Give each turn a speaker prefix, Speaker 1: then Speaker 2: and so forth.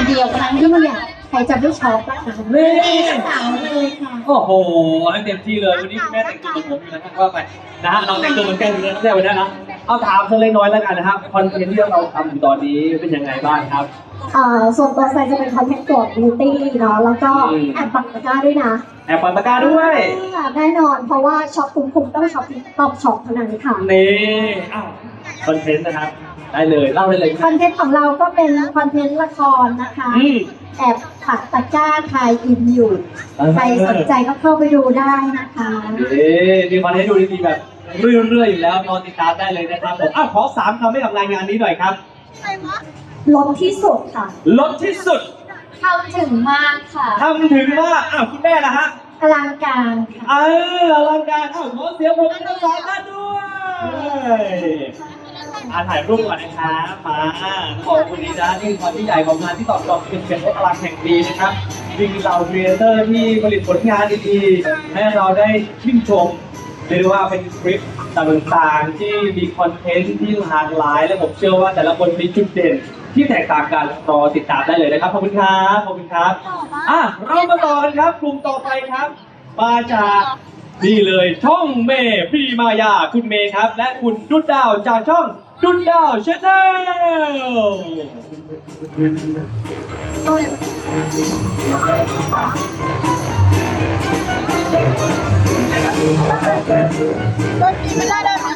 Speaker 1: เดียวครั้งที่เนี่ยใครจะไม่ช็อปนะคะนี่สาวเลยค่ะ
Speaker 2: โอ้โหให้เต็มที่เลยวันนี้คุณแม่แต่งตัวเหมือนผมอยู่นะครับว่าไปนะฮะเราแต่งตัวเหมือนกันอยู่แล้วไม่ใช่วันนั้นนะเอาถามเธอเล็กน้อยแล้วกันนะครับคอนเทนต์ที่เราทำอยู่ตอนนี้เป็นยังไงบ้างครับ
Speaker 1: ส่วนตัวแซนจะเป็นคอนเทนต์เกี่ยวกับบิวตี้เนาะแล้วก็แอบปักตะกร้าด้วยนะ
Speaker 2: แอบปักตะกร้าด้วย
Speaker 1: แน่นอนเพราะว่าช็อปคุ้มต้องช็อปต้องช็อปเท่านั้นค่ะ
Speaker 2: นี่คอนเทนต์นะครับได้เลยเล่าได้เลย
Speaker 1: คอนเทนต์ของเราก็เป็นคอนเทนต์ละครนะคะแอบปักตะกร้าทายอินอยู่ใครสนใจก็เข้าไปดูได้นะคะ
Speaker 2: มีคอนเทนต์ดูดีๆแบบเรื่อยๆอยู่แล้วนอนติดตามได้เลยนะครับผมขอ3 คำให้กับรายงานนี้หน่อยครับ
Speaker 1: ลดที่สุดค่ะ
Speaker 2: ลดที่สุด
Speaker 1: ทำถึงมากค่ะ
Speaker 2: ทำถึงมากคุณแม่นะฮะ
Speaker 1: อลังการค่ะ
Speaker 2: อลังการขอเสียงปรบมือทั้ง3 ท่านด้วยถ่ายรูปก่อนนะครับมาบอกคุณดีนะนี่ความที่ใหญ่ของงานที่ตอบรับเป็นพลังแห่งปีนะครับจริงเราครีเอเตอร์ที่ผลิตผลงานดีๆให้เราได้ชื่นชมเรียกว่าเป็นคลิปต่างๆที่มีคอนเทนต์ที่หลากหลายและผมเชื่อว่าแต่ละคนมีจุดเด่นที่แตกต่างกันรอติดตามได้เลยนะครับขอบคุณครับขอบคุณครับเรามาต่อกันครับกลุ่มต่อไปครับมาจากนี่เลยช่องเมย์พี่มายาคุณเมย์ครับและคุณดุดดาวจากช่องดุดดาวชาแน
Speaker 1: ลต้นกินไม่ได้ไหม